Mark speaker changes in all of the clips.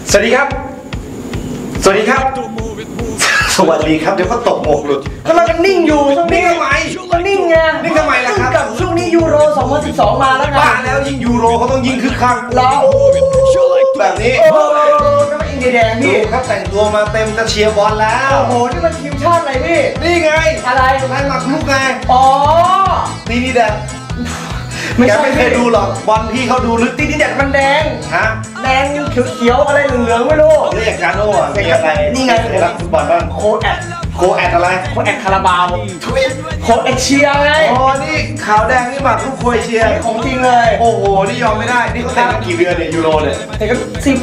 Speaker 1: สวัสดีครับสวัสดีครับสวัสดีครับเดี๋ยวก็ตกหมกหลุด
Speaker 2: กำลังนิ่งอยู่ช่วงนี้
Speaker 1: ทำไม
Speaker 2: ก็นิ่งไง
Speaker 1: นิ่งทำไมล่ะครับ
Speaker 2: กับช่วงนี้ยูโร 2012 มาแล้วไง
Speaker 1: บ้าแล้วยิ่งยูโรเขาต้องยิ่งคึกคัก
Speaker 2: แล้ว
Speaker 1: แบบนี้
Speaker 2: ก็ไม่อินเดียแดงพี่
Speaker 1: ครับแต่งตัวมาเต็มจะเชียร์บอลแล้ว
Speaker 2: โอ้โหนี่มันทีมชาติอะไรพี่
Speaker 1: นี่ไง
Speaker 2: อะไร
Speaker 1: นายหมักลุกไง
Speaker 2: อ๋อ
Speaker 1: ตีนี่แดงแกไม่เคยดูหรอกบอลพี่เขาดูลึก
Speaker 2: ตีนี่แดงมันแดง
Speaker 1: ฮะ
Speaker 2: แดงเขียวอะไรเหลืองๆไม่รู้
Speaker 1: เรียกการโน่มีอะไร
Speaker 2: นี่ไง
Speaker 1: รักฟุตบอลบ้าง
Speaker 2: โค้ดแอดอะไร
Speaker 1: โค้ดแอด
Speaker 2: คาราบาวโค้ดแอดเชียร์ไง
Speaker 1: อ๋อนี่ขาวแดงนี่หมักลูกโคยเชียร์
Speaker 2: ของจริงเลย
Speaker 1: โอ้โหนี่ยอมไม่ได้นี่เขาแต่งกันกี่เดือนเนี่ยยูโรเนี่ย
Speaker 2: แต่ก็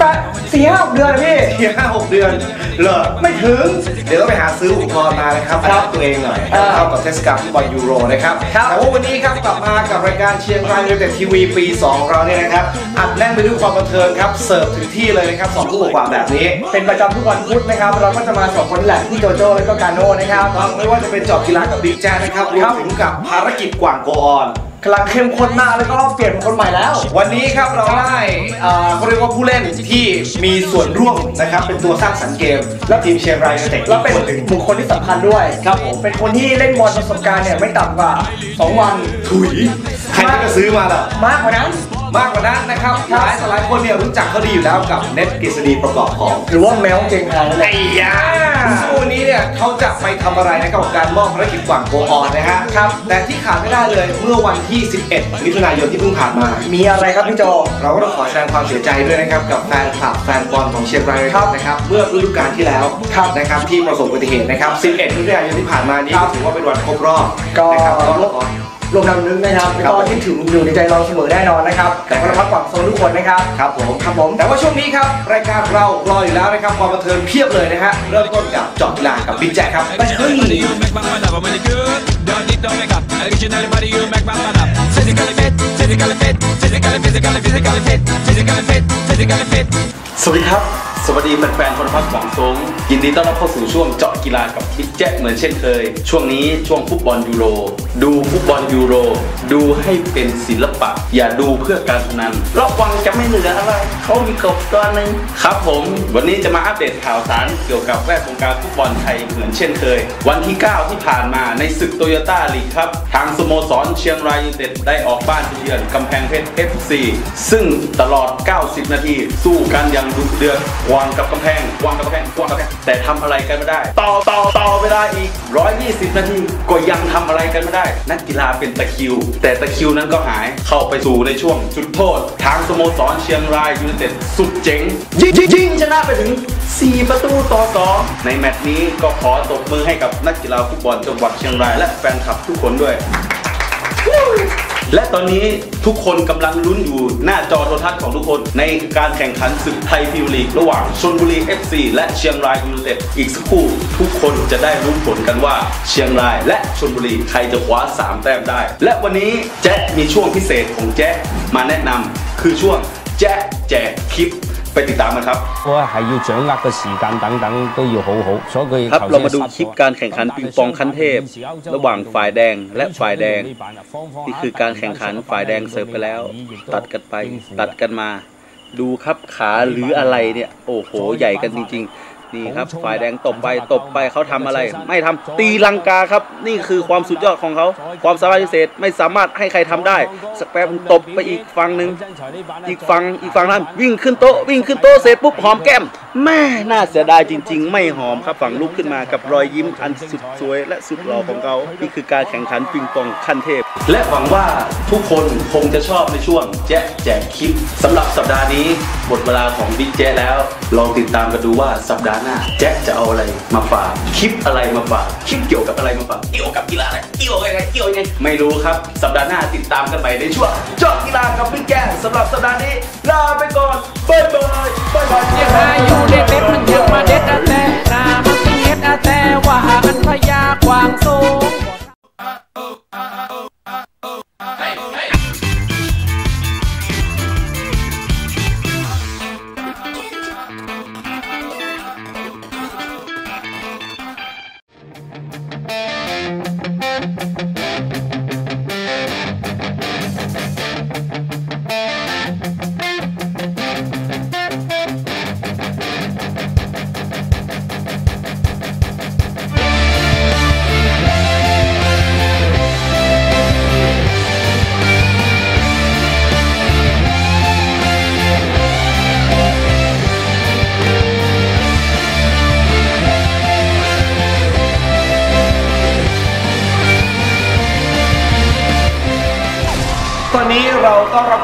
Speaker 2: 4-5 เดือนนะพี่
Speaker 1: 4-5-6 เดือนเหรอ
Speaker 2: ไม่ถึง
Speaker 1: เดี๋ยวต้องไปหาซื้ออุปกรณ์มานะครับอัดตัวเองหน่อยเข้ากับเทศกาลฟุตบอลยูโรนะครับแต่ว่าวันนี้ครับกลับมากับรายการเชียงรายยูไนเต็ดทีวีปี2ของเราเนี่ยนะครับอัดแน่นไปด้วยความบันเทิงครับเสิร์ฟถึงที่เลยนะครับ2 ทุ่มกว่าแบบนี้
Speaker 2: เป็นประจำทุกวันพุธนะครับเราก็จะมา2 คนแหละที่โจโจ้และก็กาโน่นะครับ
Speaker 1: ไม่ว่าจะเป็นเจาะกีฬากับบิ๊กแจ๊นะครับรวมถึงกับภารกิจกว่างโกออน
Speaker 2: กำลังเข้มข้นมากแล้วก็เปลี่ยนคนใหม่แล้ว
Speaker 1: วันนี้ครับเราได้เขาเรียกว่าผู้เล่นที่มีส่วนร่วมนะครับเป็นตัวสร้างสรรค์เกมและทีมเชียงรายยูไนเต็ด
Speaker 2: แล้วเป็นบุคคลที่สำคัญด้วยครับผมเป็นคนที่เล่นบอลประสบการณ์เนี่ยไม่ต่ำกว่า2 วัน
Speaker 1: ถุยใครจะซื้อมาล่ะ
Speaker 2: มากกว่านั้น
Speaker 1: นะครับหลายคนเนี่ยรู้จักเขาดีอยู่แล้วกับเน็ตกฤษฎีประกอบของ
Speaker 2: หรือว่าแมวเจงไฮนั่นแหละ
Speaker 1: ไอ้ยาวันนี้เนี่ยเขาจะไปทำอะไรนะครับกับการมอบภารกิจกว่างโกออนนะฮะครับแต่ที่ขาดไม่ได้เลยเมื่อวันที่11 มิถุนายนที่เพิ่งผ่านมา
Speaker 2: มีอะไรครับพี่โจ
Speaker 1: เราก็ต้องขอแสดงความเสียใจด้วยนะครับกับแฟนคลับแฟนบอลของเชียงรายนะครับเมื่อฤดูกาลที่แล้วนะครับที่ประสบอุบัติเหตุนะครับ11 มิถุนายนที่ผ่านมานี้ถือว่าเป็นวันครบรอบ
Speaker 2: นะครับรวมดำนึงนะครับก็คิดถึงอยู่ในใจเราเสมอแน่นอนนะครับแต่ก็พักผ่อนโซนทุกคนนะครับ
Speaker 1: ครับผมแต่ว่าช่วงนี้ครับรายการเรารออยู่แล้วนะครับความบันเทิงเพียบเลยนะฮะเริ่มต้นกับเจาะกีฬากับบิ๊กแจ๊คครับ
Speaker 3: สวัสดีครับสวัสดีแฟนๆคนพักหวังซงยินดีต้อนรับเข้าสู่ช่วงเจาะกีฬากับบิ๊กแจ๊คเหมือนเช่นเคยช่วงนี้ช่วงฟุตบอลยูโรดูฟุตบอลยูโรดูให้เป็นศิลปะอย่าดูเพื่อการพนันระวังจะไม่เหลืออะไรเขามีกบตัวนึงครับผมวันนี้จะมาอัปเดตข่าวสารเกี่ยวกับแวดวงการฟุตบอลไทยเหมือนเช่นเคยวันที่9ที่ผ่านมาในศึกโตโยต้าลีกครับทางสโมสรเชียงรายยูไนเต็ดได้ออกบ้านเยือนกำแพงเพชร FC ซึ่งตลอด90 นาทีสู้กันอย่างดุเดือดวางกับกำแพงแต่ทำอะไรกันไม่ได้ต่อเวลาอีก120 นาทีก็ยังทำอะไรกันไม่ได้นักกีฬาเป็นตะคริวแต่ตะคริวนั้นก็หายเข้าไปสู่ในช่วงจุดโทษทางสโมสรเชียงรายยูไนเต็ดสุดเจ๋งยิงชนะไปถึง4-2ในแมตช์นี้ก็ขอตบมือให้กับนักกีฬาฟุตบอลจังหวัดเชียงรายและแฟนคลับทุกคนด้วยและตอนนี้ทุกคนกำลังลุ้นอยู่หน้าจอโทรทัศน์ของทุกคนในการแข่งขันศึกไทยพรีเมียร์ลีกระหว่างชลบุรี FC และเชียงรายยูไนเต็ดอีกสักครู่ทุกคนจะได้รู้ผลกันว่าเชียงรายและชลบุรีใครจะคว้า3 แต้มได้และวันนี้แจ๊คมีช่วงพิเศษของแจ๊คมาแนะนำคือช่วงแจ๊คแจกคลิปไปติดตามกันครับครับเรามาดูคลิปการแข่งขันปิงปองขั้นเทพระหว่างฝ่ายแดงและฝ่ายแดงนี่คือการแข่งขันฝ่ายแดงเสิร์ฟไปแล้วตัดกันไปตัดกันมาดูครับขาหรืออะไรเนี่ยโอ้โหใหญ่กันจริงๆนี่ครับฝ่ายแดงตบไปเขาทำอะไรไม่ทำตีลังกาครับนี่คือความสุดยอดของเขาความสามารถพิเศษไม่สามารถให้ใครทำได้สักแป๊บตบไปอีกฝั่งหนึ่งอีกฝั่งนั้นวิ่งขึ้นโต๊ะเสร็จปุ๊บหอมแก้มแม่น่าเสียดายจริงๆไม่หอมครับฝั่งลุกขึ้นมากับรอยยิ้มอันสุดสวยและสุดหล่อของเขานี่คือการแข่งขันปิงปองขั้นเทพและหวังว่าทุกคนคงจะชอบในช่วงแจ๊คแจกคลิปสำหรับสัปดาห์นี้หมดเวลาของบิ๊กแจ๊คแล้วลองติดตามกันดูว่าสัปดาห์หน้าแจ๊คจะเอาอะไรมาฝากคลิปอะไรมาฝากคลิปเกี่ยวกับอะไรมาฝากเกี่ยวกับกีฬาอะไรเกี่ยวยังไงไม่รู้ครับสัปดาห์หน้าติดตามกันใหม่ในช่วงเจาะกีฬากับบิ๊กแจ๊คสำหรับสัปดาห์นี้ลาไปก่อนบ๊ายบาย
Speaker 4: ยังหาอยู่เด็ดมันยังมาเด็ดแต่นามันเฮ็ดแต่ว่าอันพยากวางสูง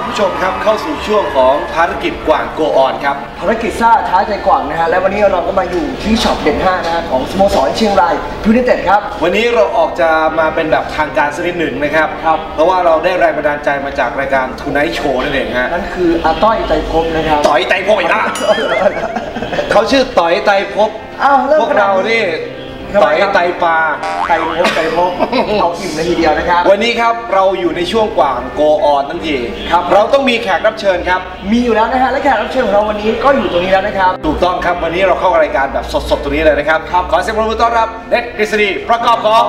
Speaker 1: ผู้ชมครับเข้าสู่ช่วงของภารกิจกว่างโกออนครับ
Speaker 2: ภารกิจซ่าท้าใจกว่างนะฮะและวันนี้เราก็มาอยู่ที่ช็อปเด่น5นะฮะของสโมสรเชียงรายยูไนเต็ดครับ
Speaker 1: วันนี้เราออกจะมาเป็นแบบทางการสักนิดหนึ่งนะครับเพราะว่าเราได้แรงบันดาลใจมาจากรายการทูไนท์โชว์นั่นเองฮะ
Speaker 2: นั่นคืออาต้อยไตรภพนะครับ
Speaker 1: ต่อยไตรภพอีกแล้วเขาชื่อต่อยไตรภพพวกเรานี่ต่อยไตปลา
Speaker 2: ไตภพเอาอิ่มเลยทีเดียวนะครับ
Speaker 1: วันนี้ครับเราอยู่ในช่วงกว่างโกออนทั้งที
Speaker 2: ครับ
Speaker 1: เราต้องมีแขกรับเชิญครับ
Speaker 2: มีอยู่แล้วนะฮะและแขกรับเชิญของเราวันนี้ก็อยู่ตรงนี้แล้วนะครับ
Speaker 1: ถูกต้องครับวันนี้เราเข้ารายการแบบสดๆตรงนี้เลยนะครับขอเสียงปรบมือต้อนรับเน็ตกฤษฎีประกอบของ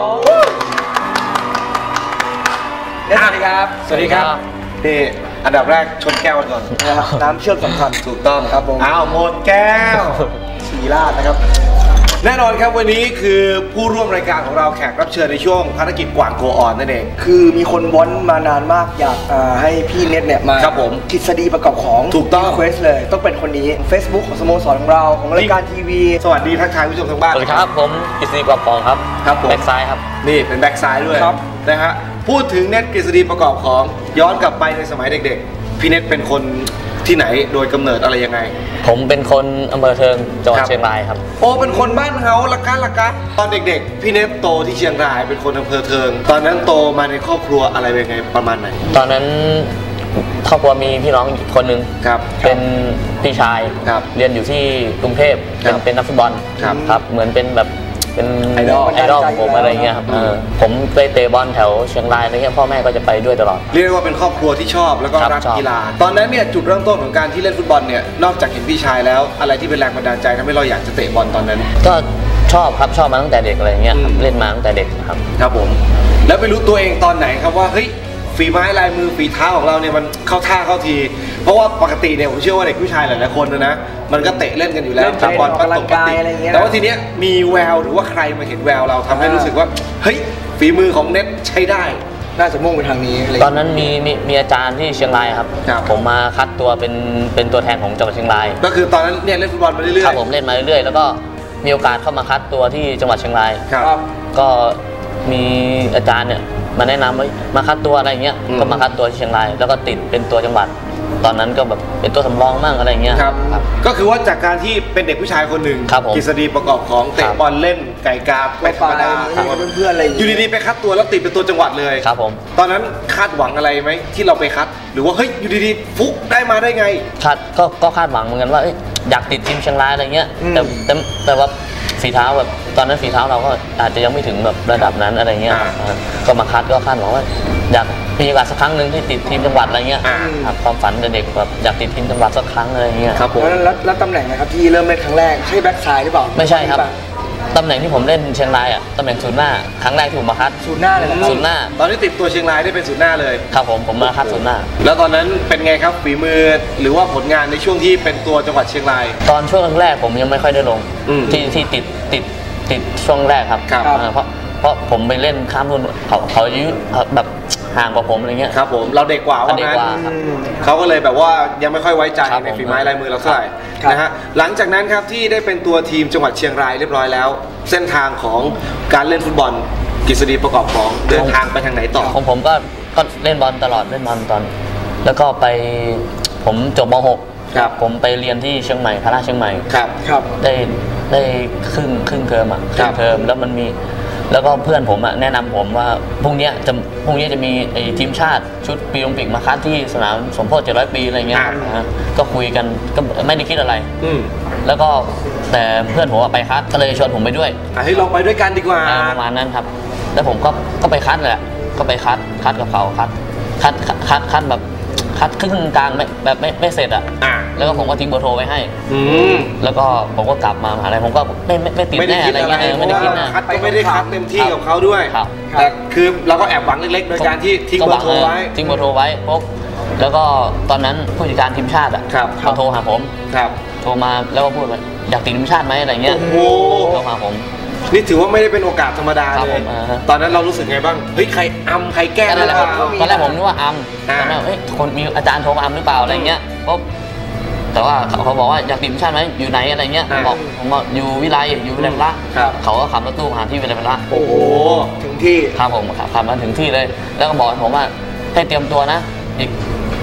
Speaker 2: สวัสดีครับ
Speaker 1: สวัสดีครับนี่อันดับแรกชนแก้วก่อน
Speaker 2: น้ำเชื่อมสำคัญ
Speaker 1: ถูกต้อง
Speaker 2: ครับผม
Speaker 1: อ้าวหมดแก้ว
Speaker 2: สีราดนะครับ
Speaker 1: แน่นอนครับวันนี้คือผู้ร่วมรายการของเราแขกรับเชิญในช่วงภารกิจกว่างโกออนนั่นเอง
Speaker 2: คือมีคนวอนมานานมากอยากให้พี่เน็ตเนี่ยมา
Speaker 1: ครับผม
Speaker 2: กฤษฎีประกอบของ
Speaker 1: ถูกต้อง
Speaker 2: เควสเลยต้องเป็นคนนี้ Facebook ของสโมสรของเราของรายการทีวี
Speaker 1: สวัสดีทักทายผู้ชมทางบ้าน
Speaker 5: สวัสดีครับผมกฤษฎีประกอบของครับ
Speaker 1: ผม
Speaker 5: แบ็กซ้ายครับ
Speaker 1: นี่เป็นแบ็กซ้ายด้วยนะฮะพูดถึงเน็ตกฤษฎีประกอบของย้อนกลับไปในสมัยเด็กๆพี่เน็ตเป็นคนที่ไหนโดยกำเนิดอะไรยังไง
Speaker 5: ผมเป็นคนอำเภอเทิงจังหวัดเชียงรายครับ
Speaker 1: โอ้เป็นคนบ้านเฮาละกะตอนเด็กๆพี่เน็ตโตที่เชียงรายเป็นคนอำเภอเทิงตอนนั้นโตมาในครอบครัวอะไรเป็นไงประมาณไหน
Speaker 5: ตอนนั้นครอบครัวมีพี่น้องอีกคนนึงเป็นพี่ชายเรียนอยู่ที่กรุงเทพเป็นนักฟุตบอลครับเหมือนเป็นแบบเป็นไอดอลของผมอะไรเงี้ยครับผมไปเตะบอลแถวเชียงรายอะไรเงี้ยพ่อแม่ก็จะไปด้วยตลอด
Speaker 1: เรียกว่าเป็นครอบครัวที่ชอบแล้วก็รักกีฬาตอนนั้นเนี่ยจุดเริ่มต้นของการที่เล่นฟุตบอลเนี่ยนอกจากเห็นพี่ชายแล้วอะไรที่เป็นแรงบันดาลใจทำให้เราอยากจะเตะบอลตอนนั้น
Speaker 5: ก็ชอบครับชอบมาตั้งแต่เด็กอะไรเงี้ยเล่นมาตั้งแต่เด็ก
Speaker 1: ครับผมแล้วไปรู้ตัวเองตอนไหนครับว่าเฮ้ยฝีไม้ลายมือฝีเท้าของเราเนี่ยมันเข้าท่าเข้าทีเพราะว่าปกติเนี่ยผมเชื่อว่าเด็กผู้ชายหลายๆคนนะมันก็เตะเล่นกันอยู่แล้ว
Speaker 2: บอล
Speaker 1: ปัดตกปัดติแต่ว่าทีเนี้ยมีแววหรือว่าใครมาเห็นแววเราทำให้รู้สึกว่าเฮ้ยฝีมือของเน็ตใช้ได้
Speaker 2: น่าจะมุ่งไปทางนี้
Speaker 5: ตอนนั้นมีอาจารย์ที่เชียงรายครับผมมาคัดตัวเป็นตัวแทนของจังหวัดเชียงราย
Speaker 1: ก็คือตอนนั้นเนี่ยเล่นฟุตบอลมาเรื่อยๆ
Speaker 5: ครับผมเล่นมาเรื่อยๆแล้วก็มีโอกาสเข้ามาคัดตัวที่จังหวัดเชียงรายก็มีอาจารย์เนี่ยมาแนะนำว่ามาคัดตัวอะไรเงี้ยก็มาคัดตัวที่เชียงรายแล้วก็ติดเป็นตัวจังหวัดตอนนั้นก็แบบเป็นตัวสำรองมั่งอะไรเงี้ย
Speaker 1: ครับก็คือว่าจากการที่เป็นเด็กผู้ชายคนหนึ่งกฤษฎีประกอบของเตะบอลเล่นไก่กาไม่ธรรมดา
Speaker 2: เพื่อนๆอะไร
Speaker 1: อยู่ดีๆไปคัดตัวแล้วติดเป็นตัวจังหวัดเลย
Speaker 5: ครับผม
Speaker 1: ตอนนั้นคาดหวังอะไรไหมที่เราไปคัดหรือว่าเฮ้ยอยู่ดีๆฟุกได้มาได้ไง
Speaker 5: ก็คาดหวังเหมือนกันว่าอยากติดทีมเชียงรายอะไรเงี้ยแต่ว่าฝีเท้าแบบตอนนั้นฝีเท้าเราก็อาจจะยังไม่ถึงแบบระดับนั้นอะไรเงี้ยก็มาคัดก็คาดหวังว่าอยากมีโอกาสสักครั้งหนึ่งที่ติดทีมจังหวัดอะไรเงี้ยความฝันเด็กแบบอยากติดทีมจังหวัดสักครั้งอะไรเงี้ย
Speaker 1: ครับผม
Speaker 2: แล้วตำแหน่งนะครับที่เริ่มเล่นครั้งแรกใช่แบ็คซ้ายหรือเปล่า
Speaker 5: ไม่ใช่ครับตำแหน่งที่ผมเล่นเชียงรายอ่ะตำแหน่งศูนย์หน้าครั้งแรกที่ผมมาคัด
Speaker 2: ศูนย์หน้าเลย
Speaker 5: ศูนย์หน้า
Speaker 1: ตอนที่ติดตัวเชียงรายได้เป็นศูนย์หน้าเลย
Speaker 5: ครับผมมาคัดศูนย์หน้า
Speaker 1: แล้วตอนนั้นเป็นไงครับฝีมือหรือว่าผลงานในช่วงที่เป็นตัวจังหวัดเชียงราย
Speaker 5: ตอนช่วงแรกผมยังไม่ค่อยได้ลงที่ติดช่วงแรกครับเพราะผมไปเล่นข้ามรุ่นเขาอายุแบบห่างกว่าผมอะไรเงี้ย
Speaker 1: ครับผมเราเด็กกว่าว่างั้นเขาก็เลยแบบว่ายังไม่ค่อยไว้ใจในฝีไม้ลายมือเราเท่าไหร่นะฮะหลังจากนั้นครับที่ได้เป็นตัวทีมจังหวัดเชียงรายเรียบร้อยแล้วเส้นทางของการเล่นฟุตบอลกฤษฎีประกอบของเดินทางไปทางไหนต่อ
Speaker 5: ของผมก็เล่นบอลตลอดเล่นบอลตอนแล้วก็ไปผมจบม.6 ผมไปเรียนที่เชียงใหม่พระราชเชียงใหม่
Speaker 1: ครับ
Speaker 5: ได้ครึ่งเทอมครึ่งเทอมแล้วมันมีแล้วก็เพื่อนผมแนะนำผมว่าพรุ่งนี้จะมีทีมชาติชุดปีโอลิมปิกมาคัดที่สนามสมโพธิ700 ปีอะไรเงี้ยก็คุยกันก็ไม่ได้คิดอะไรแล้วก็แต่เพื่อนผมไปคัดก็เลยชวนผมไปด้วย
Speaker 1: ให้ลองไปด้วยกันดีกว่า
Speaker 5: ประมาณนั้นครับแล้วผมก็ไปคัดแหละก็ไปคัดกับเขาคัดแบบคัดครึ่งกลางแบบไม่เสร็จแล้วก็ผมก็ทิ้งเบอร์โทรไว้ให้แล้วก็ผมก็กลับมาอะไรผมก็ไม่ติดแน่อะไรเงี้ย
Speaker 1: ไม่ได้คิดนะคัดก็ไม่ได้คัดเต็มที่กับเขาด้วยแต่คือเราก็แอบหวังเล็กๆโดยการที่ทิ้งเบอร์โทรไว้
Speaker 5: ปุ๊บแล้วก็ตอนนั้นผู้จัดการทีมชาติเขาโทรหาผมโทรมาแล้วก็พูดว่าอยากติดทีมชาติไหมอะไรเงี้ยโทรหาผม
Speaker 1: นี่ถือว่าไม่ได้เป็นโอกาสธรรมดาเลยตอนนั้นเรารู้สึกไงบ้างเฮ้ยใครใครแก้ได้
Speaker 5: ตอนแรกผมนึกว่าตอนแรกคนมีอาจารย์โทรมาหรือเปล่าอะไรเงี้ยปุ๊บแต่ว่าเขาบอกว่าอยากติดทีมชาติไหมอยู่ไหนอะไรเงี้ยผมบอกอยู่วิไลละเขาก็ขับรถตู้มาที่วิไลละ
Speaker 1: โอ้โหถึงที่
Speaker 5: ครับผมขับมาถึงที่เลยแล้วก็บอกผมว่าให้เตรียมตัวนะอีก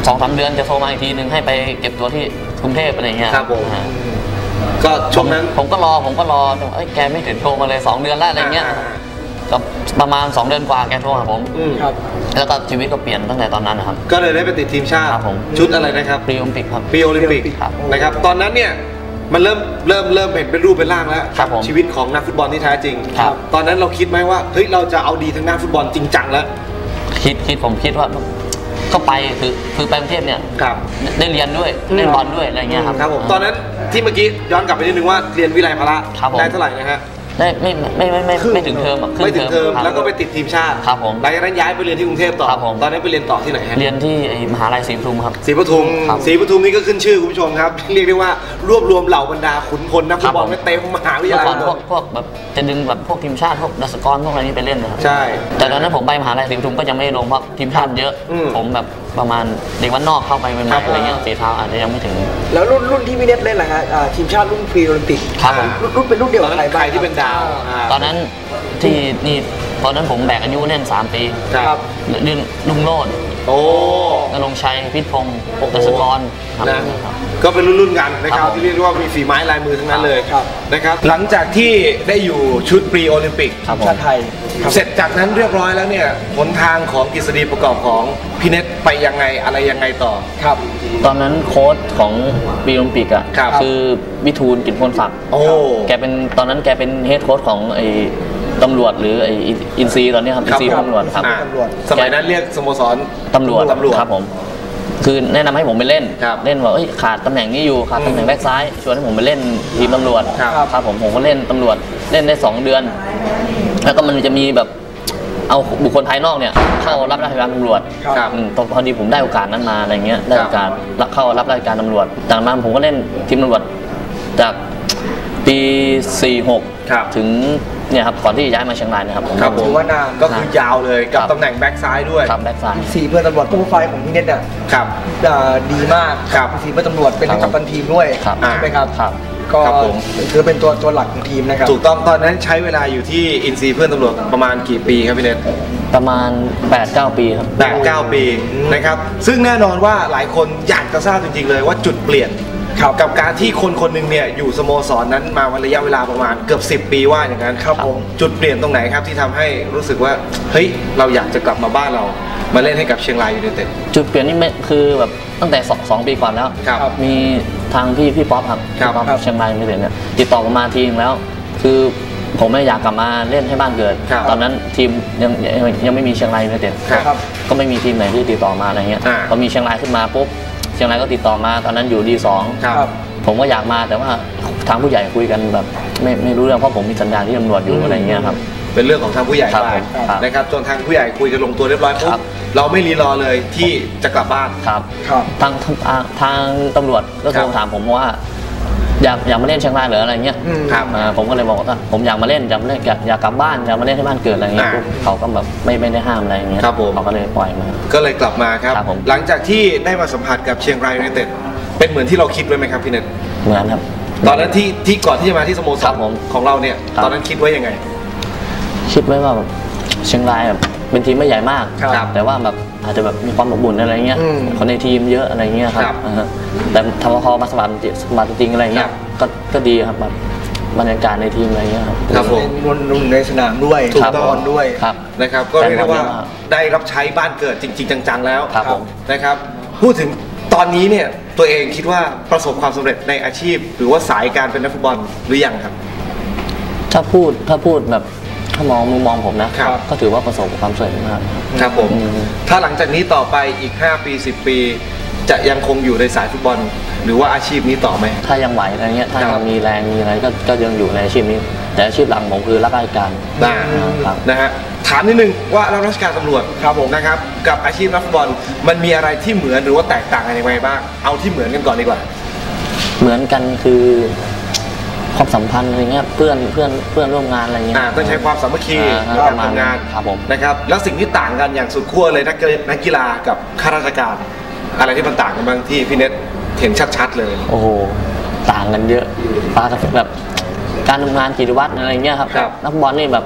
Speaker 5: 2-3 เดือนจะโทรมาอีกทีนึงให้ไปเก็บตัวที่กรุงเทพอะไรเงี้ย
Speaker 3: ครับผม ก็ช่วงนั้น
Speaker 5: ผมก็รอแกไม่ถึงโทรมาเลย2 เดือนแล้วอะไรเงี้ยก็ประมาณ2 เดือนกว่าแกโทรหาผม
Speaker 2: ครับ
Speaker 5: แล้วก็ชีวิตก็เปลี่ยนตั้งแต่ตอนนั้นนะครับ
Speaker 3: ก็เลยได้ไปติดทีมชาติ
Speaker 5: ครับผม
Speaker 3: ชุดอะไรนะครับ
Speaker 5: ปรีโอลิมปิกครับ
Speaker 3: ปีโอลิมปิก
Speaker 5: ครับ
Speaker 3: นะครับตอนนั้นเนี่ยมันเริ่มเห็นเป็นรูปเป็นร่างแล้ว
Speaker 5: ครับผม
Speaker 3: ชีวิตของนักฟุตบอลที่แท้จริง
Speaker 5: ครับ
Speaker 3: ตอนนั้นเราคิดไหมว่าเฮ้ยเราจะเอาดีทางด้านฟุตบอลจริงจังแล้ว
Speaker 5: ผมคิดว่าก็ไปคือไปกรุงเทพเนี่ย
Speaker 3: ครับ
Speaker 5: ได้เรียนด้วยเล่นบอลด้วยอะไรเงี้ยครับ
Speaker 3: ครับผมตอนนั้นที่เมื่อกี้ย้อนกลับไปนิดนึงว่าเรียนวิไลพละ
Speaker 5: ครับผม
Speaker 3: ได้เท่าไหร่นะฮะ
Speaker 5: ได้ไม่ถึงเทอมอะครึ่
Speaker 3: ไม่ถึงเทอม
Speaker 5: ครับ
Speaker 3: แล้วก็ไปติดทีมชาติ
Speaker 5: ครับผม
Speaker 3: หลังจากนั้นย้ายไปเรียนที่กรุงเทพต่อ
Speaker 5: ครับผม
Speaker 3: ตอนนั้นไปเรียนต่อที่ไหนฮะ
Speaker 5: เรียนที่ไอ้มหาลัยศรีปทุมครับ
Speaker 3: ศรีปทุม
Speaker 5: ครับ
Speaker 3: ศรีปทุมนี่ก็ขึ้นชื่อคุณผู้ชมครับ เรียกได้ว่ารวบรวมเหล่าบรรดาขุนพลนักฟุตบอล
Speaker 5: ครับผม
Speaker 3: ไว้เต็มมหาวิท
Speaker 5: เมื่
Speaker 3: ยา
Speaker 5: อ
Speaker 3: ลัย
Speaker 5: ก่อน
Speaker 3: หมด
Speaker 5: พวกแบบจะดึงแบบพวกทีมชาติพวกดัชกรพวกอะไรนี้ไปเล่นนะครับ
Speaker 3: ใช่
Speaker 5: แต่ตอนนั้นผมไปมหาลัยศรีปทุมก็ยังไม่ได้ลงเพราะทีมชาติเยอะ
Speaker 3: อืม
Speaker 5: ผมแบบประมาณเด็กวันนอกเข้าไปให
Speaker 3: ครั
Speaker 5: ม่
Speaker 3: บ
Speaker 5: ๆอะไรเงี้ยฝีเท้าอาจจะยังไม่ถึง
Speaker 2: แล้วรุ่นที่พี่เน็ตเล่นอะไรฮะทีมชาติรุ่นพรีโอลิมปิก
Speaker 5: ครับผม
Speaker 2: รุ่นเป็นรุ่นเดียว
Speaker 3: ตอ
Speaker 2: กัน บ
Speaker 3: นั้น
Speaker 2: ใคร
Speaker 3: ใคร
Speaker 2: บ้าง
Speaker 3: ที่เป็นดาวอ่า
Speaker 5: ตอนนั้นที่นี่ตอนนั้นผมแบกอายุเล่น3 ปี
Speaker 3: ครับ
Speaker 5: เล่นลุงโลด
Speaker 3: โอ้
Speaker 5: นรงค์ชัยพิษพงศ์
Speaker 3: โอ้โห
Speaker 5: ดัชกรครับ
Speaker 3: นะก็เป็นรุ่นๆกันนะค
Speaker 5: ครั
Speaker 3: รับบ
Speaker 5: ผม
Speaker 3: ที่เรียกได้ว่ามีฝีไม้ลายมือทั้งนั้นเลย
Speaker 2: ครับ
Speaker 3: นะครับ
Speaker 1: หลังจากที่ได้อยู่ชุดปรีโอลิมปิก
Speaker 5: ครับ
Speaker 2: ทีมชาติไทย
Speaker 1: เสร็จจากนั้นเรียบร้อยแล้วเนี่ยหนทางของกฤษฎีประกอบของพี่เน็ตไปยังไงอะไรยังไงต่อ
Speaker 2: ครับ
Speaker 5: ตอนนั้นโค้ชของปีโอลิมปิกอ่ะ
Speaker 1: ครับ
Speaker 5: คือวิทูลกิจพลศักดิ์
Speaker 1: โอ้
Speaker 5: แกเป็นตอนนั้นแกเป็นเฮดโค้ชของไอ้ตำรวจหรือไอ้อินซีตอนนี้ครับอินซีตำรวจครับ
Speaker 1: อ่า
Speaker 2: ตำรวจ
Speaker 1: สมัยนั้นเรียกสโมสร
Speaker 5: ตำรวจ
Speaker 1: ตำรวจ
Speaker 5: ครับผมคือแนะนำให้ผมไปเล่น
Speaker 1: ครับ
Speaker 5: เล่นว่าเอ้ยขาดตำแหน่งนี้อยู่ขาดตำแหน่งแบ็คซ้ายชวนให้ผมไปเล่นทีมตำรวจ
Speaker 1: ครับ
Speaker 5: ครับผมก็เล่นตำรวจเล่นได้2 เดือน แล้วก็มันจะมีแบบเอาบุคคลภายนอกเนี่ยเข้ารับราชการตำรวจ
Speaker 2: ครับ
Speaker 5: พอดีผมได้โอกาสนั้นมาอะไรเงี้ยได้โอกาสรับเข้ารับราชการตำรวจจากนั้นผมก็เล่นทีมตำรวจจากปี
Speaker 1: ครับ
Speaker 5: 46 ถึงเนี่ยครับก่อนที่จะย้ายมาเชียงรายนะครับผม
Speaker 1: ครับผม
Speaker 2: ถือว่านาน
Speaker 1: ก็คือยาวเลยกับ
Speaker 5: ครับ
Speaker 1: ตำแหน่งแบ็กซ้ายด้วย
Speaker 5: ครับแบ็คซ้าย
Speaker 2: สีเพื่อนตำรวจโปรไฟล์ของพี่เน็ตเนี่ย
Speaker 1: ครับ
Speaker 2: ดีมาก
Speaker 1: ครับ
Speaker 2: สีเพื่อนตำรวจเป็นทั้งกัปตันทีมด้วย
Speaker 5: ครับ
Speaker 2: ใช่ไหมครับ
Speaker 5: ครับ
Speaker 2: ก็
Speaker 1: ครับผม
Speaker 2: คือเป็นตัวหลักของทีมนะครับ
Speaker 1: ถูกต้องตอนนั้นใช้เวลาอยู่ที่อินซีเพื่อนตำรวจประมาณกี่ปีครับพี่เน็ต
Speaker 5: ประมาณ 8-9 ปีครับ
Speaker 1: 8-9 ปีนะครับ ซึ่งแน่นอนว่าหลายคนอยากจะทราบจริงๆเลยว่าจุดเปลี่ยน
Speaker 2: ครับ
Speaker 1: กับการที่คนคนหนึ่งเนี่ยอยู่สโมสรนั้นมาวันระยะเวลาประมาณเกือบ10 ปีว่าอย่างนั้น
Speaker 2: ครับผม
Speaker 1: จุดเปลี่ยนตรงไหนครับที่ทำให้รู้สึกว่าเฮ้ยเราอยากจะกลับมาบ้านเรามาเล่นให้กับเชียงรายยูไนเต็ด
Speaker 5: จุดเปลี่ยนนี่ไม่คือแบบตั้งแต่2 ปีก่อนแล้ว
Speaker 1: ครับ
Speaker 5: มีทางพี่ป๊อปครับ
Speaker 1: ครับ
Speaker 5: พี่ป๊อปเชียงรายยูไนเต็ดเนี่ยติดต่อมาทีนึงแล้ว คือผมไม่อยากกลับมาเล่นให้บ้านเกิด
Speaker 1: ครับ
Speaker 5: ตอนนั้นทีมยังไม่มีเชียงรายยูไนเต็ด
Speaker 1: ครับ
Speaker 5: ก็ไม่มีทีมไหนที่ติดต่อมาอะไรเงี้ย
Speaker 1: อ่า
Speaker 5: พอมีเชียงรายขึ้นมาปุ๊บเชียงรายก็ติดต่อมาตอนนั้นอยู่D2
Speaker 1: ครับ
Speaker 5: ผมก็อยากมาแต่ว่าทางผู้ใหญ่คุยกันแบบไม่รู้เรื่องเพราะผมมีสัญญาที่ตำรวจอยู่อะไรเงี้ยครับ
Speaker 1: เป็นเรื่องของทางผู้ใหญ่
Speaker 5: ครับ
Speaker 1: ไป
Speaker 5: ครับ
Speaker 1: นะครับจนทางผู้ใหญ่คุยกันลงตัวเรียบร้อยปุ๊
Speaker 5: ครับ บ
Speaker 1: เราไม่รีรอเลยที่จะกลับบ้าน
Speaker 5: ครับ
Speaker 2: ครับ
Speaker 5: ทางตำรวจก็โท
Speaker 1: ครั
Speaker 5: ร
Speaker 1: บ
Speaker 5: ถามผมว่าอยากมาเล่นเชียงรายหรืออะไรเงี้ย
Speaker 2: อืม
Speaker 1: ครับ
Speaker 5: ผมก็เลยบอกว่าผมอยากมาเล่นอยากมาเล่นอยากกลับบ้านอยากมาเล่นที่บ้านเกิดอะไรเงี้ย
Speaker 1: อ่า
Speaker 5: ปุ๊บเขาก็แบบไม่ได้ห้ามอะไรเงี้ย
Speaker 1: ครับผม
Speaker 5: เขาก็เลยปล่อยมา
Speaker 1: ก็เลยกลับมาครับ
Speaker 5: ครับผม
Speaker 1: หลังจากที่ได้มาสัมผัสกับเชียงรายยูไนเต็ดเป็นเหมือนที่เราคิดไว้ไหมครับพี่เน็ต
Speaker 5: เหมือนครับ
Speaker 1: ตอนนั้นที่ก่อนที่จะมาที่สโมส
Speaker 5: ครั
Speaker 1: ร
Speaker 5: บผม
Speaker 1: ของเราเนี่ย
Speaker 5: ครับ
Speaker 1: ตอนนั้นคิดไว้ยังไง
Speaker 5: คิดไว้ว่าแบบเชียงรายแบบเป็นทีมไม่ใหญ่มาก
Speaker 1: ครับ
Speaker 5: แต่ว่าแบบอาจจะแบบมีความอบอุ่นอะไรเงี้ย
Speaker 2: อืม
Speaker 5: คนในทีมเยอะอะไรเงี้ยครั
Speaker 1: ครับ บ
Speaker 5: ฮะแต่ทำพอมาสมัครจริงอะไรเงี้ยก็ดีครับแบบบรรยากาศในทีมอะไรเงี้ยครับ
Speaker 1: ครับผม
Speaker 2: เป็นนุ่นในสนามด้วย
Speaker 1: ถูก
Speaker 2: บ
Speaker 1: ต้อง
Speaker 2: อลด้วย
Speaker 5: ครับ
Speaker 1: นะครับก็เรียกได้ว่า
Speaker 5: แต่หมดแล้ว
Speaker 1: ได้รับใช้บ้านเกิดจริง ๆ จังๆแล้ว
Speaker 5: ครับผม
Speaker 1: นะครับพูดถึงตอนนี้เนี่ยตัวเองคิดว่าประสบความสำเร็จในอาชีพ หรือว่าสายการเป็นนักฟุตบอลหรือยังครับ
Speaker 5: ถ้าพูดแบบถ้ามองมุมมองผมนะครับ ก็ถือว่าประสบความสำเร็จมาก
Speaker 1: ครับผม
Speaker 5: อืม
Speaker 1: ถ้าหลังจากนี้ต่อไปอีก 5 ปี 10 ปี จะยังคงอยู่ในสายฟุตบอล หรือว่าอาชีพนี้ต่อไหม
Speaker 5: ถ้ายังไหวอะไรเงี้ยถ้า
Speaker 1: ครั
Speaker 5: ยั
Speaker 1: บ
Speaker 5: งมีแรงมีอะไรก็ยังอยู่ในอาชีพนี้ แต่อาชีพหลังผมคือรับราชการ
Speaker 1: ได้
Speaker 5: ครับ
Speaker 1: นะฮะถามนิดนึงว่ารับราชการตำรวจ
Speaker 2: ครับผม
Speaker 1: นะครับกับอาชีพนักฟุตบอลมันมีอะไรที่เหมือนหรือว่าแตกต่างกันยังไงบ้างเอาที่เหมือนกันก่อนดีกว่า
Speaker 5: เหมือนกันคือความสัมพันธ์อะไรเงี้ยเพื่อนร่วมงานอะไรเงี้ย
Speaker 1: ต้องใช้ความสามัคคี
Speaker 5: อ่า
Speaker 1: ในการ
Speaker 5: ประมาณ
Speaker 1: ทำงาน
Speaker 5: ครับผม
Speaker 1: นะครับแล้วสิ่งที่ต่างกันอย่างสุดขั้วเลยนักกีฬากับข้าราชการ อะไรที่มันต่างกันบ้างที่พี่เน็ตเห็นชัดๆเลย
Speaker 5: โอ้โหต่างกันเยอะฟ้ากับแบบการทำงานกิจวัตรอะไรเงี้ยครับ
Speaker 1: ครับ
Speaker 5: นักบอลนี่แบบ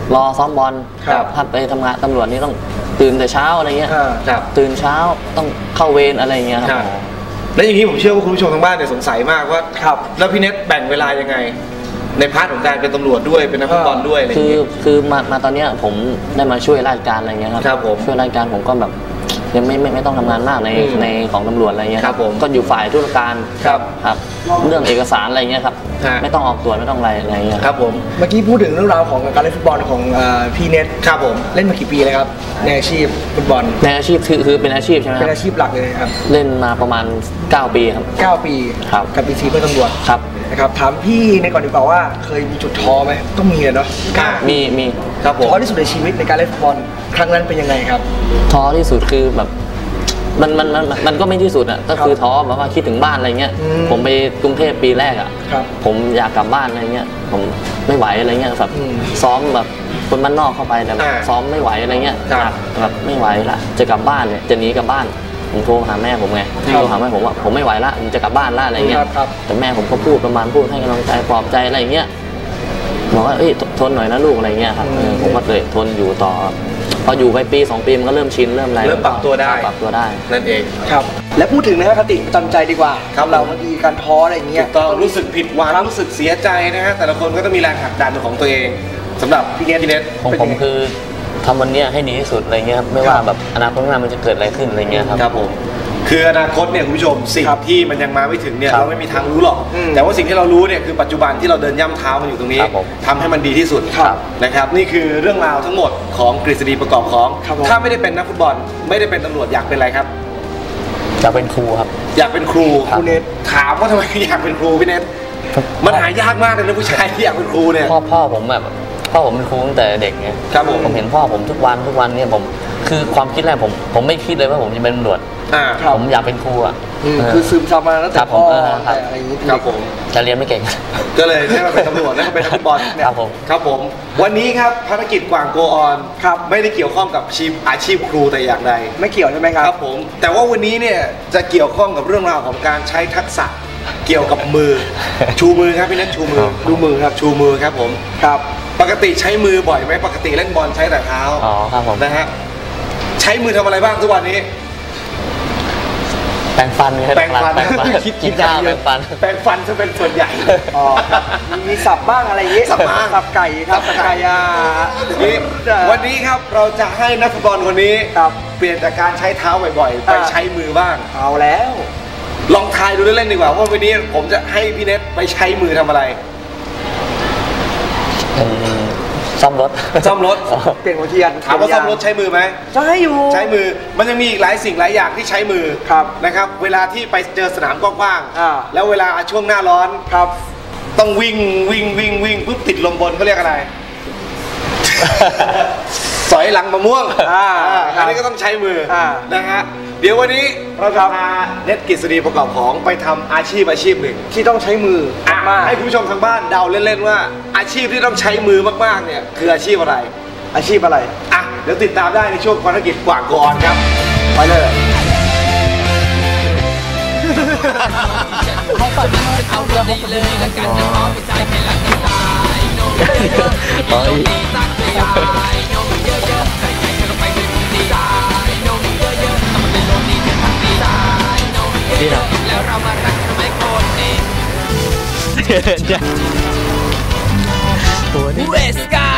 Speaker 5: รอซ้อมบอล
Speaker 2: ครับ
Speaker 5: ถ้าไปทำงานตำรวจนี่ต้องตื่นแต่เช้าอะไรเงี้ย
Speaker 1: ครับ
Speaker 5: ตื่นเช้าต้องเข้าเวรอะไรเงี้ยครับ
Speaker 1: แล้วอย่างนี้ผมเชื่อว่าคุณผู้ชมทางบ้านเนี่ยสงสัยมากว่า
Speaker 2: ครับ
Speaker 1: แล้วพี่เน็ตแบ่งเวลายังไง ในพาร์ทของการเป็นตำรวจด้วยเป็นนักฟุตบอลด้วยอะไรอย่าง
Speaker 5: คือ
Speaker 1: เงี้ย
Speaker 5: คือมาตอนเนี้ยผมได้มาช่วยราชการอะไรเงี้ยครับ
Speaker 1: ครับผม
Speaker 5: ช่วยราชการผมก็แบบยังไม่ต้องทำงานมากในของตำรวจอะไรเงี้ย
Speaker 1: ครับผม
Speaker 5: ก็อยู่ฝ่ายธุรการ
Speaker 1: ครับ
Speaker 5: ครับเรื่องเอกสารอะไรเงี้ยครับ
Speaker 1: ฮะ
Speaker 5: ไม่ต้องออกตรวจไม่ต้องอะไรเงี้ย
Speaker 1: ครับผม
Speaker 2: เมื่อกี้พูดถึงเรื่องราวของการเล่นฟุตบอลของพี่เน็ต
Speaker 1: ครับผม
Speaker 2: เล่นมากี่ปีเลยครับในอาชีพฟุตบอล
Speaker 5: ในอาชีพคือเป็นอาชีพใช่ไหมค
Speaker 2: เป็น
Speaker 5: รับ
Speaker 2: อาชีพหลักเลยครับ
Speaker 5: เล่นมาประมาณ 9 ปีครับ
Speaker 2: 9 ปี
Speaker 5: ครับ
Speaker 2: กับปีซีเพื่อนตำรวจ
Speaker 5: ครับ
Speaker 2: นะครับถามพี่ในก่อนดีกว่าว่าเคยมีจุดท้อไหมต้องมีเลยเนาะ
Speaker 5: มี
Speaker 1: ครับผม
Speaker 2: ท้อที่สุดในชีวิตในการเล่นฟุตบอลครั้งนั้นเป็นยังไงครับ
Speaker 5: ท้อที่สุดคือแบบมันก็ไม่ที่สุดอ่ะก็คือท้อแบบว่าคิดถึงบ้านอะไรเงี้ย
Speaker 2: อืม
Speaker 5: ผมไปกรุงเทพปีแรกอ่ะ
Speaker 2: ครับ
Speaker 5: ผมอยากกลับบ้านอะไรเงี้ยผมไม่ไหวอะไรเงี้ยแบบ
Speaker 2: อืม
Speaker 5: ซ้อมแบบคนบ้านนอกเข้าไปแต่แบบ
Speaker 1: อ่า
Speaker 5: ซ้อมไม่ไหวอะไรเงี้ย
Speaker 1: ครับ
Speaker 5: แบบไม่ไหวละจะกลับบ้านเนี่ยจะหนีกลับบ้านผมโทรหาแม่ผมไง
Speaker 2: ครับ
Speaker 5: โทรหาแม่ผมว่าผมไม่ไหวละผมจะกลับบ้านละอะไรเงี้ย
Speaker 2: ครับ
Speaker 5: แต่แม่ผมก็พูดให้กำลังใจปลอบใจอะไรเงี้ยบอกว่าเอ้ยทนหน่อยนะลูกอะไรเงี้ยครับผมก็เลยทนอยู่ต่อพออยู่ไปปี 2 ปีมันก็เริ่มชินเริ่มอะไร
Speaker 1: เริ่มปรับตัวได้
Speaker 5: ปรับตัวได้
Speaker 1: นั่นเอง
Speaker 2: ครับและพูดถึงนะครับคติประจำใจดีกว่า
Speaker 1: ครับ
Speaker 2: เราบางทีการท้ออะไรอย่างเงี้ย
Speaker 1: ต้องรู้สึกผิดหวังรู้สึกเสียใจนะฮะแต่ละคนก็ต้องมีแรงผลักดันเป็นของตัวเองสำหรับพี่เน็ต
Speaker 5: ของผมคือทำวันเนี้ยให้ดีที่สุดอะไรเงี้ยครับไม่ว่าแบบอนาคตข้างหน้ามันจะเกิดอะไรขึ้นอะไรเงี้ยครับ
Speaker 1: ครับผมคืออนาคตเนี่ยคุณผู้ชมสิ่ง
Speaker 2: ครับ
Speaker 1: ที่มันยังมาไม่ถึงเนี่ย
Speaker 5: ครับ
Speaker 1: เราไม่มีทางรู้หรอก
Speaker 2: อืม
Speaker 1: แต่ว่าสิ่งที่เรารู้เนี่ยคือปัจจุบันที่เราเดินย่ำเท้ามันอยู่ตรงนี้
Speaker 5: ครับผม
Speaker 1: ทำให้มันดีที่สุด
Speaker 2: ครับ
Speaker 1: นะครับนี่คือเรื่องราวทั้งหมดของกฤษฎีประกอบของ
Speaker 2: ครับผม
Speaker 1: ถ้าไม่ได้เป็นนักฟุตบอลไม่ได้เป็นตำรวจอยากเป็นอะไรครับ
Speaker 5: จะเป็นครูครับ
Speaker 1: อยากเป็นครู
Speaker 2: ครับ
Speaker 1: ณเน็ตถามว่าทำไมอยากเป็นครูพี่เน็ตมันหายากมากเลยนะผู้ชายที่อยากเป็นครูเนี่ย
Speaker 5: พ่อผมแบบพ่อผมเป็นครูตั้งแต่เด็กไง
Speaker 1: ครับผม
Speaker 5: ผมเห็นพ่อผมทุกวันเนี่ยผมคือความคิดแรกผมไม่คิดเลยว่าผมจะเป็นตำรวจ
Speaker 2: ครับ
Speaker 5: ผมอยากเป็นครูอ่ะ
Speaker 2: คือซึมซับมาตั้งแต่
Speaker 5: ครับผ
Speaker 2: พ่
Speaker 5: ม
Speaker 2: อ
Speaker 5: ครับ
Speaker 2: แต่อะไรอย่างงี้
Speaker 1: ครับผม
Speaker 5: จะเรียนไม่เก่ง
Speaker 1: ก็เลยได้มาเป็นตำรวจแล้วก็เป็นนักฟุตบอล
Speaker 5: ครับผม
Speaker 1: ครับผมวันนี้ครับภารกิจกว่างโกออน
Speaker 2: ครับ
Speaker 1: ไม่ได้เกี่ยวข้องกับอาชีพครูแต่อย่างใด
Speaker 2: ไม่เกี่ยวใช่ไหมครับ
Speaker 1: ครับผมแต่ว่าวันนี้เนี่ยจะเกี่ยวข้องกับเรื่องราวของการใช้ทักษะเกี่ยวกับมือ ชูมือครับพี่เน็ตชูมือ
Speaker 2: ดูมือครับ
Speaker 1: ชูมือครับผม
Speaker 2: ครับ
Speaker 1: ปกติใช้มือบ่อยไหมปกติเล่นบอลใช้แต่เท้า
Speaker 5: อ๋อครับผม
Speaker 1: นะฮะใช้มือทำอะไรบ้างทุกวันนี้
Speaker 5: แปรงฟันครับ
Speaker 1: แปรงฟัน
Speaker 5: แปรงฟัน
Speaker 1: คิด
Speaker 5: กินข้าวแปรงฟัน
Speaker 1: แปรงฟันจะเป็นส่วนใหญ่
Speaker 2: อ๋อครับมีสับบ้างอะไรอย่างงี้
Speaker 1: สับบ้าง
Speaker 2: สับไก่ครับสับไก่
Speaker 1: นี่วันนี้ครับเราจะให้นักฟุตบอลคนนี้
Speaker 2: ครับ
Speaker 1: เปลี่ยนจากการใช้เท้าบ่อยๆ ไปใช้มือบ้าง
Speaker 2: เอาแล้ว
Speaker 1: ลองทายดูเล่นๆดีกว่าว่าวันนี้ผมจะให้พี่เน็ตไปใช้มือทำอะไร
Speaker 5: ซ่อมรถ
Speaker 1: ซ่อมรถ
Speaker 2: เปลี่ยนหัวเทียน
Speaker 1: ถามว่าซ่อมรถใช้มือไหม
Speaker 2: ใช้อยู่
Speaker 1: ใช้มือมันยังมีอีกหลายสิ่งหลายอย่างที่ใช้มือ
Speaker 2: ครับ
Speaker 1: นะครับ เวลาที่ไปเจอสนามกว้าง
Speaker 2: อ่า
Speaker 1: ๆแล้วเวลาช่วงหน้าร้อน
Speaker 2: ครับ
Speaker 1: ต้องวิ่งปุ๊บติดลมบนเขาเรียกอะไร สอยหลังมะม่วง อันนี้ก็ต้องใช้มือนะฮะเดี๋ยววันนี้เราจะพาเน็ตกฤษฎีประกอบของไปทำอาชีพหนึ่ง
Speaker 2: ที่ต้องใช้มือ
Speaker 1: อ่ะ
Speaker 2: มาก
Speaker 1: ให้คุณผู้ชมทางบ้านเดาเล่นๆว่า อาชีพที่ต้องใช้มือมากๆเนี่ยคืออาชีพอะไร
Speaker 2: อาชีพอะไร
Speaker 1: อ่ะเดี๋ยวติดตามได้ในช่วงภารกิจกว่างโกออนครับ
Speaker 2: ไปเลย
Speaker 4: เอาดีเลยละกันจะขอไปใจให้ละกันตายโน้มเยอะๆโน้มดีตั้งใจโน้มเยอะๆใส่ใจกันลงไปด้วยดีใจโน้มเยอะๆทำมันเป็นโน้มดีเป็นทางดีใจโน้มเยอะๆแล้วเรามารักทำไมโกรธเองเวสกา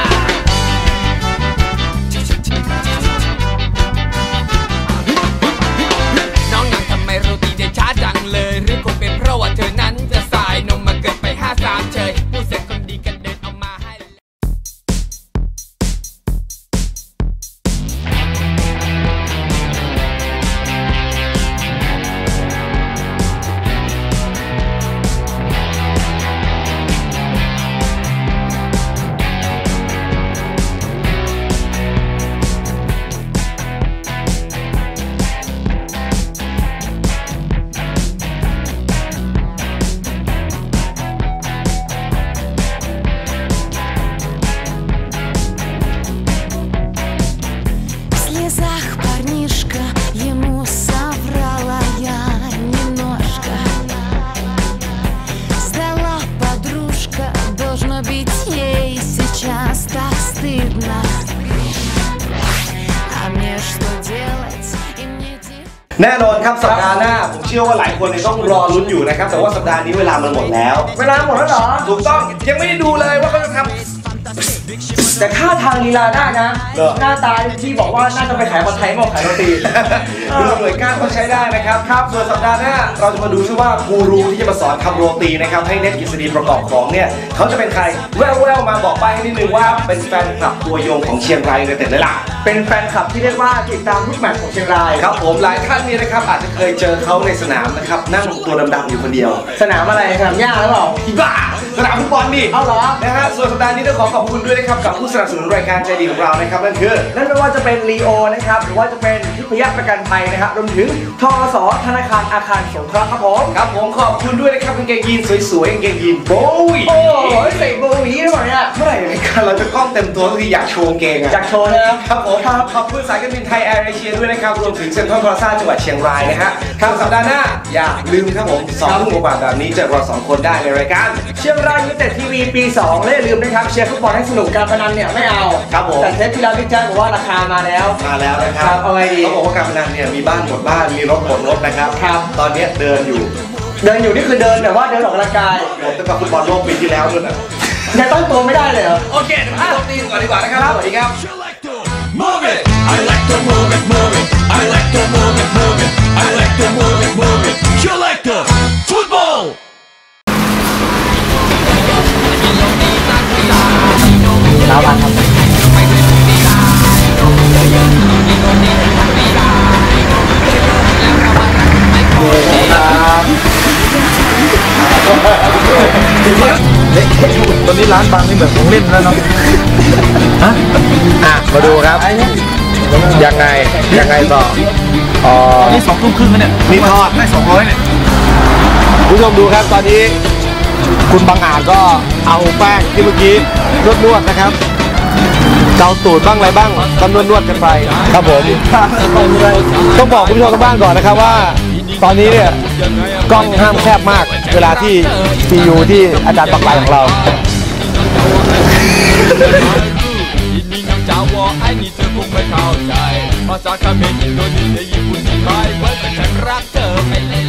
Speaker 4: น้องยังทำไมโรตีได้ช้าจังเลยหรือคงเป็นเพราะว่าเธอนั้นจะสายนมมาเกินไป53เชยผู้เสร็จคนดีกันเดินเอามาให้
Speaker 1: แน่นอนครับสัปดาห์หน้าผมเชื่อว่าหลายคนเนี่ยต้องรอลุ้นอยู่นะครับแต่ว่าสัปดาห์นี้เวลามันหมดแล้ว
Speaker 2: เวลาหมดแล้วเหรอ
Speaker 1: ถูกต้องยังไม่ได้ดูเลยว่าเขาจะทำ
Speaker 2: แต่ท่าทางลีลาได้นะ
Speaker 1: เหรอ
Speaker 2: หน้าตาที่บอกว่าน่าจะไปขายผัดไทยมากขายโรตี
Speaker 1: ดูหน่วยก้านเขาใช้ได้นะครับส่วนสัปดาห์หน้าเราจะมาดูซิว่ากูรูที่จะมาสอนทำโรตีนะครับให้เน็ตกิษฎีประกอบของเนี่ยเขาจะเป็นใครแววๆมาบอกไปให้นิดนึงว่าเป็นแฟนคลับตัวยงของเชียงรายยูไนเต็ดเลยล่ะ
Speaker 2: เป็นแฟนคลับที่เรียกว่าติดตามทุกแมตช์ของเชียงราย
Speaker 1: ครับผมหลายท่านเนี่ยนะครับอาจจะเคยเจอเขาในสนามนะครับนั่งตัวดำๆอยู่คนเดียว
Speaker 2: สนามอะไรสนามหญ้าหรือเปล่า
Speaker 1: อีบ้าสนามฟุตบอลนี่
Speaker 2: เอาเหรอ
Speaker 1: นะฮะส่วนสัปดาห์นี้ต้องขอขอบคุณด้วยนะครับกับผู้สนับสนุนรายการใจดีของเรานะครับนั่นคือ
Speaker 2: นั่นไม่ว่าจะเป็นลีโอนะครับหรือว่าจะเป็นทิพยประกันภัยนะครับรวมถึงทกสธนาคารอาคารสงเคราะห์ครับผม
Speaker 1: ครับผมขอบคุณด้วยนะครับกางเกงยีนสวยๆกางเกงยีนโบวี่
Speaker 2: โอ้โหใส่โบวีหรือเปล่าเนี่ย
Speaker 1: เมื่อไหร่รายการเราจะกล้องเต็มตัวก็คืออยากโชว์กางเกงอะ
Speaker 2: อยากโชว์นะครับ
Speaker 1: ครับผมขอบคุณสายการบินไทยแอร์เอเชียด้วยนะครับรวมถึงเซ็นทรัลพลาซ่าจังหวัดเชียงรายนะฮะครับสัปดาห์หน้าอย่าลืมครับผม2 ทุ่มกว่าแบบนี้เจอเรา2 คนได้ในรายการ
Speaker 2: เชียงรายยูไนเต็ดทีวีปี 2และอย่าลืมนะครับเชียร์ฟุตบอลให้สนุกการพนันเนี่ยไม่เอา
Speaker 1: ครับผม
Speaker 2: แต่เทปที่แล้วพี่แจ๊คบอกว่าราคามาแล้ว
Speaker 1: มาแล้วนะค
Speaker 2: ครั
Speaker 1: รับบ
Speaker 2: เอาไงดี
Speaker 1: เขาบอกว่าการพนันเนี่ยมีบ้านหมดบ้านมีรถหมดรถนะครับ
Speaker 2: ครับ
Speaker 1: ตอนนี้เดินอยู่
Speaker 2: เดินอยู่นี่คือเดินแต่ว่าเดินออกกำลังกาย
Speaker 1: หมดตั้งแต่ฟุตบอลโลกปีที่แล้วนู่นน่ะ
Speaker 2: ยังตั้งตัวไม่ได้เลยเหรอ
Speaker 1: โอเคเดี๋ยวมาดูตีก่อนดีกว่านะครับสวัสดีครับ
Speaker 6: Move it. I like to move it, move it. I like to move it, move it. I like to move it, move it. You like the football.
Speaker 5: แล้ววันครับ
Speaker 7: ตอนนี้ร้านบางนี่แบบของเล่นแล้วเนาะ
Speaker 1: มาดูครับยังไงต่อ
Speaker 7: นี่2 ทุ่มครึ่งแล้วเนี่ย
Speaker 1: นี่ทอด
Speaker 7: ได้200เนี่ย
Speaker 1: ผู้ชมดูครับตอนนี้คุณบางอาจก็เอาแป้งที่เมื่อกี้นวดนะครับเกาตูดบ้างอะไรบ้างก็นวดกันไปครับผมต้องบอกคุณผู้ชมทางบ้านก่อนนะครับว่าตอนนี้เนี่ยกล้องห้ามแคบมากเวลาที่ซียูที่อาจารย์ปักไหลของเรา
Speaker 4: อินนี่น้ำจาวอไอ้นี่เธอคงไม่เข้าใจภาษาเขมรอินโดนีเซียญี่ปุ่นที่ไม่เหมือนแต่ฉันรักเธอไปเลย